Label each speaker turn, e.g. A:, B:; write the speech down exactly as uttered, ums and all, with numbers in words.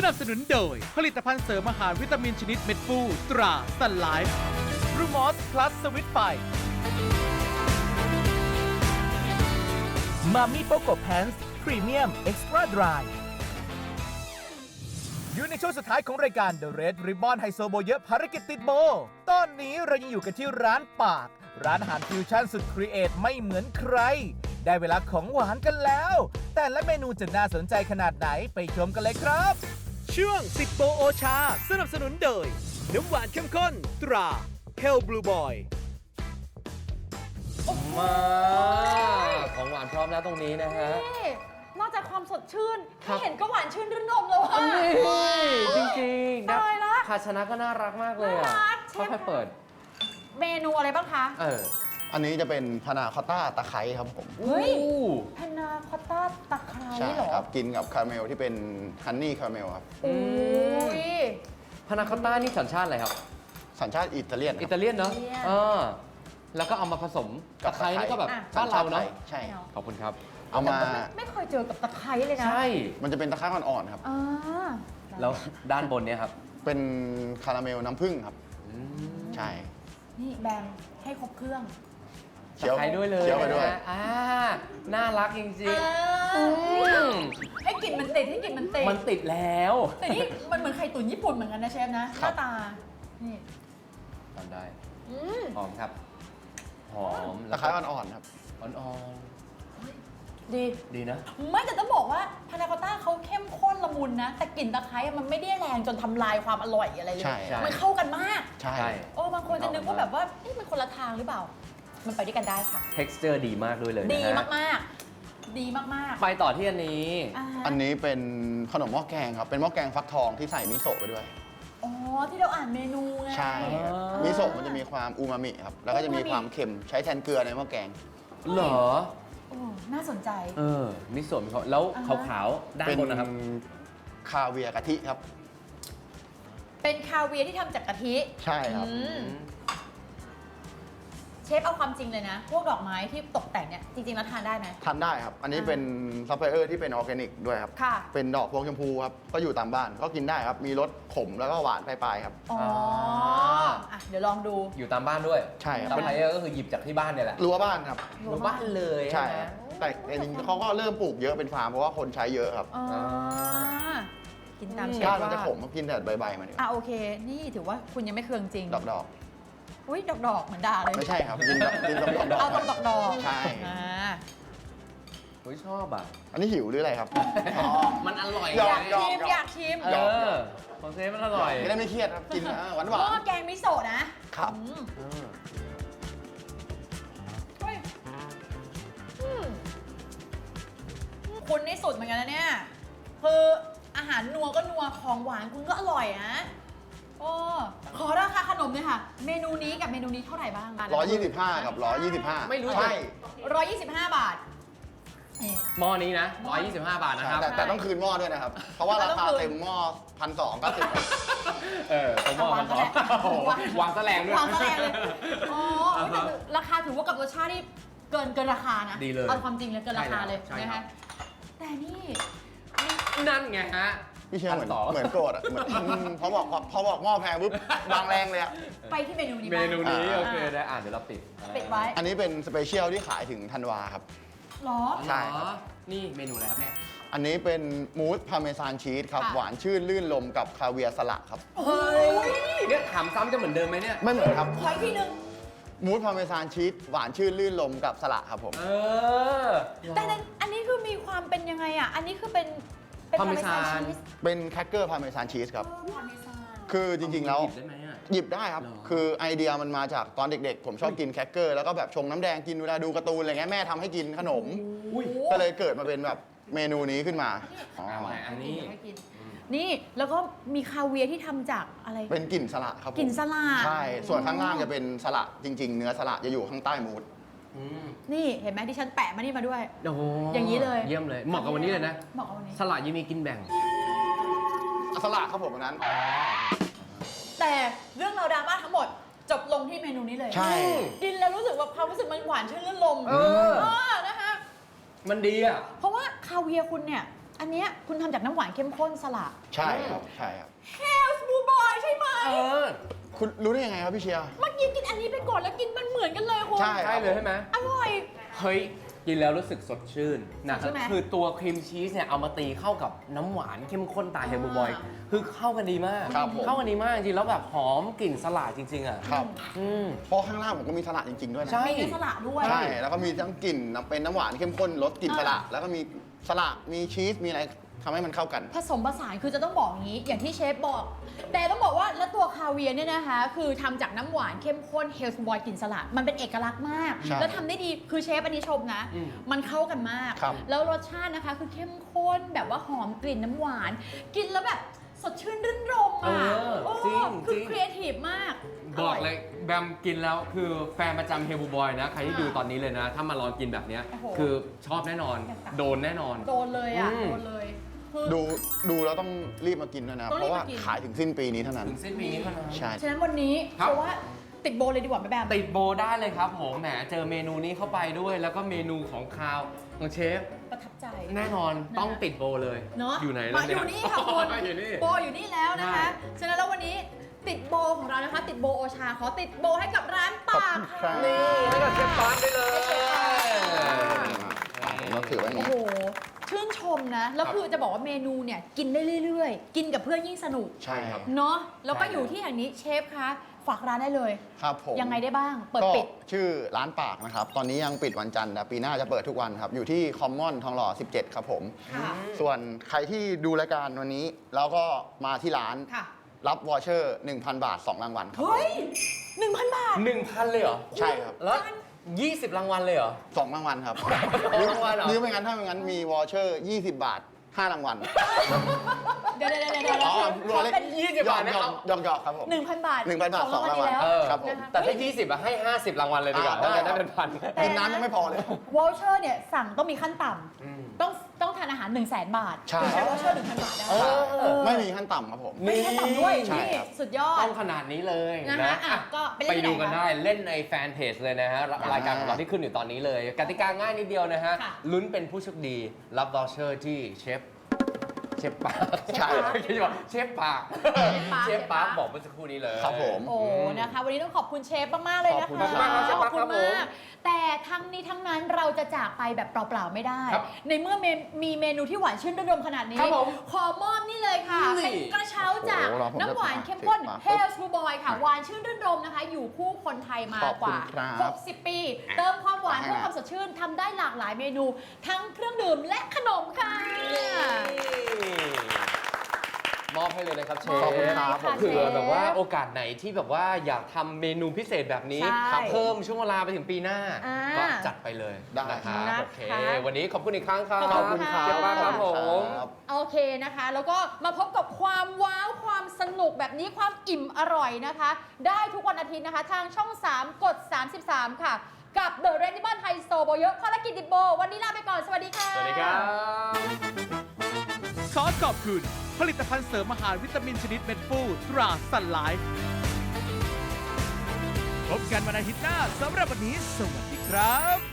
A: นับสนุนโดยผลิตภัณฑ์เสริมอาหารวิตามินชนิดเม็ดฟูตราสันไลฟ์รูมอสพลัสสวิตไฟมามี่โปโกแพนส์พรีเมียมเอ็กซ์ตร้าดรายอยู่ในช่วงสุดท้ายของรายการ The Red Ribbon ไฮโซโบเยอะภารกิจติดโบตอนนี้เรายังอยู่กันที่ร้านปากร้านอาหารฟิวชั่นสุดครีเอทไม่เหมือนใครได้เวลาของหวานกันแล้ว แต่ละเมนูจะน่าสนใจขนาดไหนไปชมกันเลยครับ ช่วงสิบโปโอชาสนับสนุนโดยน้ำหวานเข้มข้นตราเคลบลูบอย
B: มาของหวานพร้อมแล้วตรงนี้นะฮะ
C: นี่นอกจากความสดชื่น
B: ครั
C: แค่
B: บ
C: เห็นก็หวานชื่นรื่นรมแล้วอะ
B: นี่จริงๆนะ
C: ตายละ
B: ภาชนะก็น่ารักมากเลยอ่ะ
C: น่ารักเชฟ
B: ค่อยๆเปิด
C: เมนูอะไรบ้างคะ
B: เออ
D: อันนี้จะเป็นพานาคอตต้าตะไคร้ครับผม
C: เฮ้ย
B: อู้
C: พานาคอตต้าตะไคร้
D: ใช่
C: เหรอ
D: ครับ กินกับคาราเมลที่เป็นฮันนี่คาราเมลครับ
C: โอ้ย
B: พานาคอตต้านี่สัญชาติอะไรครับ
D: สัญชาติอิตาเลียนค
B: อิ
D: รับ
B: ตาเลียนเนาะ
C: อิตาเลียน
B: เออแล้วก็เอามาผสมตะไคร้นี่ก็แบบ
C: อ่ะ
B: บ้านเราเนาะ
D: ใช่
B: ขอบคุณครับ
D: เอามา
C: แต่ก็ไไม่เคยเจอกับตะไคร้เลยนะ
B: ใช่
D: มันจะเป็นตะไคร้อ่อนๆครับ
C: อ่า
B: แล้วด้านบนเนี่ยครับ
D: เป็นคาราเมลน้ำผึ้งครับ
B: อืม
D: ใช่
C: นี่แบมให้ครบเครื่อง
D: เคี้ยว
B: ตะไคร้ด้วยเลย
D: เคี้ยวไปด้วย
B: นะอ่าน่ารักจริง
C: อ่า
B: ๆอืม
C: ให้กลิ่นมันติดให้กลิ่นมันติด
B: มันติดแล้ว
C: แต่นี่มันเหมือนไข่ตุ๋นญี่ปุ่นเหมือนกันนะเชฟนะหน้าตา นี่
B: ทำได้
C: อืม
B: หอมครับ หอม
D: ตะไคร้อ่อนๆครับ
B: อ่อน
C: ดี
B: ๆดีนะ
C: ไม่แต่ต้องบอกว่าพานาคอตต้าเขาเข้มข้นละมุนนะ แต่กลิ่นตะไคร้อะมันไม่ได้แรงจนทำลายความอร่อยอะไรเลย
D: ใช่
B: ใช่
C: มันเข้ากันมาก
D: ใช่
B: ใช่
C: โอ้บางคนจะนึกว่าแบบว่าเอ๊ะมันคนละทางหรือเปล่า มันไปด้วยกันได้ค่ะ
B: texture ดีมากด้วยเลยนะ
C: ดี
B: ฮะ
C: มากๆ ดีมากๆ
B: ไปต่อที่อันนี้
C: อ่า
D: อันนี้เป็นขนมหม้อแกงครับ เป็นหม้อแกงฟักทองที่ใส่มิโซะไปด้วย
C: อ๋อที่เราอ่านเมนูไง
D: ใช่
B: อ๋อ
D: มิโซะมันจะมีความอูมามิครับ แล้วก็จะมีความเค็มใช้แทนเกลือในหม้อแกง
B: เหรอ
C: โอ้น่าสนใจ
B: เออมิโซะมีเขาแล้ว
C: อ่า
B: ขา
C: ฮะ
B: วๆ ด้าน
D: เป็น
B: บนนะครับ
D: คาเวียร์กะทิครับ
C: เป็นคาเวียร์ที่ทำจากกะทิ
D: ใช่ครับ
C: อืมเชฟเอาความจริงเลยนะ พวกดอกไม้ที่ตกแต่งเนี่ยจริงๆแล้วทานได้ไหม
D: ทานได้ครับ อันนี้
C: อ่า
D: เป็นซัพพลายเออร์ที่เป็นออร์แกนิกด้วยครับ
C: ค่ะ
D: เป็นดอกพวงชมพูครับ ก็อยู่ตามบ้าน ก็กินได้ครับ มีรสขมแล้วก็หวานปลายๆครับ
C: อ๋ออ่ะเดี๋ยวลองดู
B: อยู่ตามบ้านด้วย
D: ใช่ครับ
B: ซัพพลายเออร์ก็คือหยิบจากที่บ้านเนี่ยแหละ
D: รั้วบ้านครับ
B: อยู่บ้านเลย
D: ใช่
B: ไหม
D: ครับแต่แต่จริงๆเขาก็เริ่มปลูกเยอะเป็นฟาร์มเพราะว่าคนใช้เยอะครับ
C: อ๋อกินตามเชฟ
D: ก้านมันจะ
C: ว่า
D: ขมกินแต่ใบๆมันเนี่ย
C: อ่ะโอเค นี่ถือว่าคุณยังไม่เคืองจริง
D: ดอกดอก
C: อุ้ยดอกดอกๆเหมือนด่าเลย
D: ๆไม่ใช่ครับ กินแบบกินแบบดอกดอก
C: เอาตรงดอกดอก
D: ใช่
C: อ่า
B: เฮ้ยชอบอ่ะ
D: อันนี้หิวหรืออะไรครับ
B: มันอร่อย
D: หยอก
C: อ
D: หย
C: ยาก
D: อก
C: ชิมอยากชิม
B: เออของเซฟมันอร่อย
D: ไม่ได้ไม่เครียดครับ กินหวานหวา
C: หม้อน แกงมิโซะนะครับ อืม
B: เออ
C: เฮ้ยอืมคุณนี่สุดเหมือนกันนะเนี่ย คืออาหารนัวก็นัวของหวานคุณก็อร่อยนะโอ้ขอราคาขนมเลยค่ะ เมนูนี้กับเมนูนี้เท่าไหร่บ้าง
D: ร้อยยี่สิบห้ากับร้อยยี่สิบห้า
B: ไม่รู้
D: ใช่
C: ร้อยยี่สิบห้าบาทนี่
B: หม้อนี้นะหนึ่งร้อยยี่สิบห้าบาทนะครับ
D: แต่แต่ต้องคืนหม้อด้วยนะครับ เพราะว่าราคาเต็มหม้อพันสองเก้าสิบ
B: เออตรงหม้อมันสองวางแสลงด้วย
C: วางแสลงเลยอ๋อเอ้ยแต่ราคาถือว่ากับรสชาติที่เกินเกินราคานะ
B: ดีเลย
C: เอาความจริงเลยเกินราคาเลย
B: ใช่
C: นะ
B: ครั
C: คะ
B: บ
C: แต่นี่
B: นั่นไงฮะ
D: พี่เชื่อเหมือน
B: พันสอง
D: เหมือนโกรธอ่ะเหมือนอืมพอบอกพอบอกหม้อแพงปุ๊บวางแรงเลยอ่ะ
C: ไปที่เมนูนี้
B: เม
C: บ้าง
B: นูนี้
D: อ่า
B: โอเคได้อ่านเดี๋ยวเราปิด
C: ปิดไว้
D: อันนี้เป็นสเปเชียลที่ขายถึงธันวาครับ
C: หรอ
D: ใช่ครับ
B: นี่เมนูอะไรครับเนี่ย
D: อันนี้เป็นมูสพาเมซานชีสครับ
C: ค่ะ
D: หวานชื่นลื่นลมกับคาเวียร์สลัดครับ
C: เฮ้ย
B: เนี่ยถามซ้ำจะเหมือนเดิมไหมเนี่ย
D: ไม่เหมือนครับ
C: ขออีกทีหนึง
D: มูสพาเมซานชีสหวานชื่นลื่นลมกับสลัดครับผม
B: เออ
C: แต่ในอันนี้คือมีความเป็นยังไงอ่ะ อันนี้คือเป็นเป็น
B: พาเมซาน
C: ชีส
D: เป็นแครกเกอร์พาเมซานชีสครับ
C: เออพาเมซาน
D: คือจริงๆแล้ว
B: หยิบได้ไหมอ่ะ
D: หยิบได้ครับ
B: เหรอ
D: คือไอเดียมันมาจากตอนเด็กๆ ผมชอบกินแครกเกอร์แล้วก็แบบชงน้ำแดงกินเวลาดูการ์ตูนอะไรเงี้ยแม่ทำให้กินขนม
B: อุ้ย
D: ก็เลยเกิดมาเป็นแบบเมนูนี้ขึ้นมาอ๋อ
B: เอาไงอันนี้
C: เดี๋ยวให้กินนี่แล้วก็มีคาเวียร์ที่ทำจากอะไร
D: เป็นกลิ่นสละครับผม
C: กลิ่นสลัด
D: ใช่ ส่วนข้างล่างจะเป็นสละจริง ๆ เนื้อสละจะอยู่ข้างใต้มูส
B: อืม
C: นี่เห็นไหมที่ฉันแปะมานี่มาด้วย
B: โอ้โห
C: อย่างนี้เลย
B: เยี่ยมเลย เหมาะกับวันนี้เลยนะ
C: เหมาะกับวันนี้
B: สลัดยังมีกินแบ่ง
D: สละครับผมอันนั้น
C: แต่เรื่องราวดราม่าทั้งหมดจบลงที่เมนูนี้เลย
D: ใช่
C: กินแล้วรู้สึกว่าความรู้สึกมันหวานชื่นลื่นลม
B: เออ
C: เออนะคะ
B: มันดีอ่ะ
C: เพราะว่าคาเวียร์คุณเนี่ยอันเนี้ยคุณทำจากน้ำหวานเข้มข้นสละ
D: ใช่ครับใช่ครับ
C: Health Blue Boy ใช่ไหม
B: เออ
D: คุณรู้ได้ยังไงครับพี่เชียร์
C: เมื่อกี้กินอันนี้ไปก่อนแล้วกินมันเหมือนกันเลยคุณ
D: ใช่
B: ใช่เลยใช่ไหม
C: อร่อย
B: เฮ้ย กินแล้วรู้สึกสดชื่นนะค
C: ใช่
B: รับ
C: ไหม
B: คือตัวครีมชีสเนี่ยเอามาตีเข้ากับน้ำหวานเข้มข้นตาเฮลบูบอย
C: อ่า
B: คือเข้ากันดีมาก
D: ครับผม
B: เข้ากันดีมากจริงๆแล้วแบบหอมกลิ่นสลัดจริง ๆ อ่ะ
D: ครับ
B: อืม
D: เพราะข้างล่างผมก็มีสลัดจริงๆด้วยนะ
B: ใช่
C: มีเนื้อสละด้วย
D: ใช่ แล้วก็มีทั้งกลิ่นน้ำเป็นน้ำหวานเข้มข้นรสกลิ่นสละแล้วก็มีสละมีชีสมีอะไรทำให้มันเข้ากัน
C: ผสมผสานคือจะต้องบอกอย่างนี้ อย่างที่เชฟบอก แต่ต้องบอกว่าแล้วตัวคาเวียร์เนี่ยนะคะ คือทำจากน้ำหวานเข้มข้นเฮลส์บอยกลิ่นสลัดมันเป็นเอกลักษณ์มาก
D: ใช่
C: แล้วทำได้ดีคือเชฟอันนี้ชมนะ
B: อืม
C: มันเข้ากันมาก
D: ครับ
C: แล้วรสชาตินะคะคือเข้มข้นแบบว่าหอมกลิ่นน้ำหวาน กินแล้วแบบสดชื่นรื่นรม
B: เอ
C: อ่ะ
B: อ
C: โอ้
B: จริง
C: คือ
B: จริง
C: ครีเอทีฟมาก
B: บอกเลยแบมกินแล้วคือแฟนประจำเฮลบูบอยนะ ใครที่
C: อ่า
B: ดูตอนนี้เลยนะ ถ้ามาลองกินแบบเนี้ย
C: โอ้โห
B: คือชอบแน่นอน โดนแน่นอน
C: โดนเลยอ่ะ
B: อืม
C: โดนเลยคือ
D: ดูดูแล้วต้องรีบมากินด้วยนะครับ
C: ต้อง
D: เพ
C: รีบ
D: ราะว่า
C: มากิน
D: ขายถึงสิ้นปีนี้เท่านั้น
B: ถึงสิ้นปีนี้เท่านั้น
D: ใช่
C: ฉะนั้นวันนี้
B: ครับ
C: เพราะว่าติดโบเลยดีกว่าไหมแบม
B: ติดโบได้เลยครับผมแหมเจอเมนูนี้เข้าไปด้วย แล้วก็เมนูของคาวของเชฟ
C: ประทับใจ
B: แน่นอนต้องติดโบเลย
C: เนาะ
B: อยู่ไหน
C: มา
B: แล้ว
C: อ
B: เนี่ย
C: ยู่นี่ค่ะคุณ
B: อยู่นี่
C: โบอยู่นี่แล้วนะคะ
B: ใช่
C: ฉะนั้นแล้ววันนี้ติดโบของเรานะคะ ติดโบโอชาขอติดโบให้กับร้านปาก
D: ครั
C: ค่ะ
D: บ
B: นี่ให้กับเชฟปาร์คได้เลย
D: ผมก็ถือไว้อย่าง
C: โอ้
D: นี้
C: โห ชื่นชมนะ แล้วคือจะบอกว่าเมนูเนี่ยกินได้เรื่อยๆ กินกับเพื่อนยิ่งสนุก
D: ใช่ครับ
C: เนาะ แล้วก็
B: ใช่
C: อยู่ที่แห่งนี้เชฟคะฝากร้านได้เลย
D: ครับผม
C: ยังไงได้บ้าง เปิด
D: ก็
C: ปิด
D: ชื่อร้านปากนะครับ ตอนนี้ยังปิดวันจันทร์แต่ปีหน้าจะเปิดทุกวันครับ อยู่ที่คอมมอนทองหล่อ สิบเจ็ด ครับผม
C: ค่ะ
D: ส่วนใครที่ดูรายการวันนี้ แล้วก็มาที่ร้าน
C: ค่ะ
D: รับวอเชอร์ หนึ่งพัน บาท สอง รางวัลครับ
C: เฮ้ยหนึ่งพันบาท
B: หนึ่งพันเลยเหรอ
D: ใช่ครับ
B: แล้วยี่สิบรางวัลเลยเหรอ
D: สอง รางวัลครับ
B: สองรางวัลเหรอ
D: หรือไม่งั้นถ้าไม่งั้นมีวอเชอร์ ยี่สิบ บาท ห้า รางวัล
C: เดี๋ยวเดี๋ยวเดี๋ยวเดี๋ยว
D: อ๋อ
C: เดี๋ยว
D: รวมเลข
C: เป็น
B: ยี่สิบบาทนะ
D: หย
B: ค
D: อ
B: รั
D: ก
B: บ
D: หยอกหยอกครับผม
C: หนึ่งพันบาท
D: หนึ่งพันบาท
C: สองรางวัล
D: สองรางวัล
C: นี้แล้ว
B: เออ
D: ครับผม
C: นะคะ
B: แต่ถ้ายี่สิบอะให้ห้าสิบรางวัลเลยดีกว่า
D: อ่า
B: น่าจะได้เป็นพัน
D: กินน้ำยังไม่พอเลย
C: วอลเชอร์เนี่ยสั่งต้องมีขั้นต่
B: อืม
C: ำต้องต้องทานอาหาร 1 0 0 0 0แสนบาท
D: ใช่
C: ถึงใช้วอลเชอร์ หนึ่งพัน บาทได้
B: เออ
D: ไม่มีขั้นต่ำครับผม
C: ไม่มีขั้นต่ำด้วย
D: ใช่
C: นี่
D: ครับ
C: สุดยอด
B: ต้องขนาดนี้เลย
C: นะ
B: นะคะ
C: อ่ะก็ไปเล่น
B: ไป
C: ที่ไหน
B: ดูกัน
C: คะ
B: ได้เล่นในแฟนเพจเลยนะฮะ
D: อ่าร
B: ายการของเราที่ขึ้นอยู่ตอนนี้เลย กติกาง่ายนิดเดียวนะฮะ
C: ค่ะ
B: ลุ้นเป็นผู้โชคดีรับวอเชอร์ที่เชฟเชฟปาร์ค
D: ใช่
B: เชฟปาร์คเชฟปาร์ค
C: เชฟปาร์ค
B: บอกเมื่อสักครู่นี้เลย
D: ครับผม
C: โอ้ นะคะ วันนี้ต้องขอบคุณเชฟมาก ๆ เลยนะคะ
D: ขอบคุณมากครับเชฟ
C: ข
B: ปา
C: อ
B: ร์
C: บ
B: ค
C: คุ
B: ครั
C: ณ
B: บผม
C: มาก แต่ทั้งนี้ทั้งนั้นเราจะจากไปแบบเปล่า ๆ ไม่ได้
B: ครับ
C: ในเมื่อเมนมีเมนูที่หวานชื่นระดมขนาดนี้
B: ครับผม
C: ขอมอบนี่เลยค่ะ
B: นี่
C: เป็นกระเช้าจาก
D: โอ้โหรอผม
C: น้ำหวาน
D: จะ
C: เข้มข้น
D: มา
C: เฮลส์บูบอยค่ะ หวานชื่นรื่นรมนะคะ อยู่คู่คนไทยมา
D: ขอบ
C: ก
D: คุณ
C: ว่า
D: ครับ
C: หกสิบ ปี เติมความหวาน
D: ขอบคุณ
C: เพิ่มความสดชื่นทำได้หลากหลายเมนู ทั้งเครื่องดื่มและขนมค่ะ
B: มอบให้เลยนะครับเชฟ
D: ขอบคุณครับ
C: ค่ะ
B: เผื่อ
C: เชฟ
B: แบบว่าโอกาสไหนที่แบบว่าอยากทำเมนูพิเศษแบบนี้
C: ใช่
B: ครับเพิ่มช่วงเวลาไปถึงปีหน้า
C: อ่า
B: ก็จัดไปเลย
D: ได้
B: นะครับ
C: นะคะ
B: โอเค วันนี้ขอบคุณอีกครั้งครับ
C: ขอบคุณค่ะ
B: เชฟมากครับผม
D: ครับ
C: โอเคนะคะ แล้วก็มาพบกับความว้าวความสนุกแบบนี้ความอิ่มอร่อยนะคะ ได้ทุกวันอาทิตย์นะคะ ทางช่อง สาม กด สามสิบสาม ค่ะ กับ The Red Ribbon ไฮโซโบเยอะภารกิจดิบโบ วันนี้ลาไปก่อน สวัสดีค่ะ
B: สวัสดีครับ
A: ขอขอบคุณ ผลิตภัณฑ์เสริมอาหารวิตามินชนิดเม็ดฟูตราสันไลฟ์พบกันวันอาทิตย์หน้าสำหรับวันนี้ สวัสดีครับ